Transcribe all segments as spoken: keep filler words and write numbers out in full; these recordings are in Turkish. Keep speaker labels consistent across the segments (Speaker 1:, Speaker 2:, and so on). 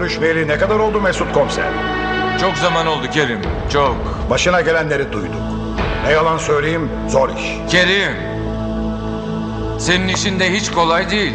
Speaker 1: görüşmeyeli ne kadar oldu Mesut Komiser?
Speaker 2: Çok zaman oldu Kerim, çok.
Speaker 1: Başına gelenleri duyduk. Ne yalan söyleyeyim, zor iş.
Speaker 2: Kerim, senin işin de hiç kolay değil.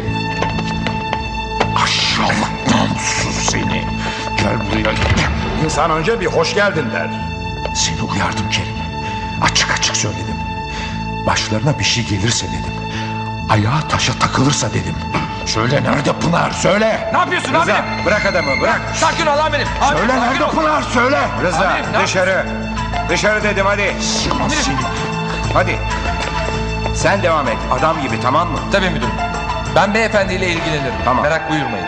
Speaker 3: Aşağılık namussuz seni. Gel buraya.
Speaker 1: İnsan önce bir hoş geldin der.
Speaker 3: Seni uyardım Kerim. Açık açık söyledim. Başlarına bir şey gelirse dedim. Ayağı taşa takılırsa dedim. Söyle nerede Pınar, söyle.
Speaker 2: Ne yapıyorsun amirim?
Speaker 1: Bırak adamı, bırak.
Speaker 2: Sakin ol amirim. Amirim,
Speaker 3: Söyle
Speaker 2: sakin
Speaker 3: nerede
Speaker 2: ol.
Speaker 3: Pınar, söyle.
Speaker 1: Rıza,
Speaker 2: Amirim, ne
Speaker 1: dışarı. Dışarı dedim, hadi.
Speaker 3: Seni.
Speaker 1: Hadi. Sen devam et, adam gibi, tamam mı?
Speaker 2: Tabii müdürüm. Ben beyefendiyle ilgilenirim.
Speaker 1: Tamam.
Speaker 2: Merak buyurmayın.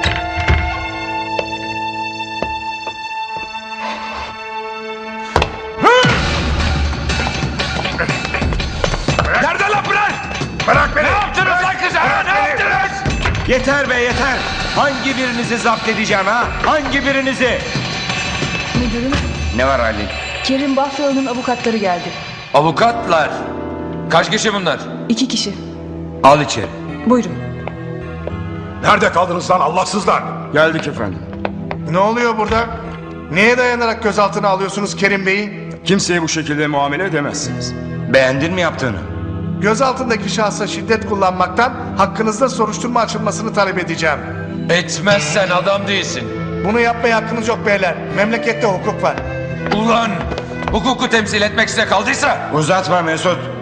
Speaker 2: Nerede lan Pınar?
Speaker 1: Bırak beni.
Speaker 2: Ne yaptınız lan kıza? ha? Ne yaptınız?
Speaker 1: Yeter be, yeter. Hangi birinizi zapt edeceğim ha? Hangi birinizi?
Speaker 4: Müdürüm,
Speaker 1: Ne var Ali?
Speaker 4: Kerim Bafralı'nın avukatları geldi.
Speaker 2: Avukatlar. Kaç kişi bunlar?
Speaker 4: İki kişi.
Speaker 1: Al içeri.
Speaker 4: Buyurun.
Speaker 1: Nerede kaldınız lan Allahsızlar?
Speaker 5: Geldik efendim.
Speaker 6: Ne oluyor burada? Neye dayanarak gözaltına alıyorsunuz Kerim Bey'i?
Speaker 5: Kimseye bu şekilde muamele edemezsiniz.
Speaker 1: Beğendin mi yaptığını?
Speaker 6: Gözaltındaki şahsa şiddet kullanmaktan hakkınızda soruşturma açılmasını talep edeceğim.
Speaker 2: Etmezsen adam değilsin.
Speaker 6: Bunu yapmaya hakkınız yok beyler. Memlekette hukuk var.
Speaker 2: Ulan hukuku temsil etmek size kaldıysa
Speaker 1: Uzatma Mesut.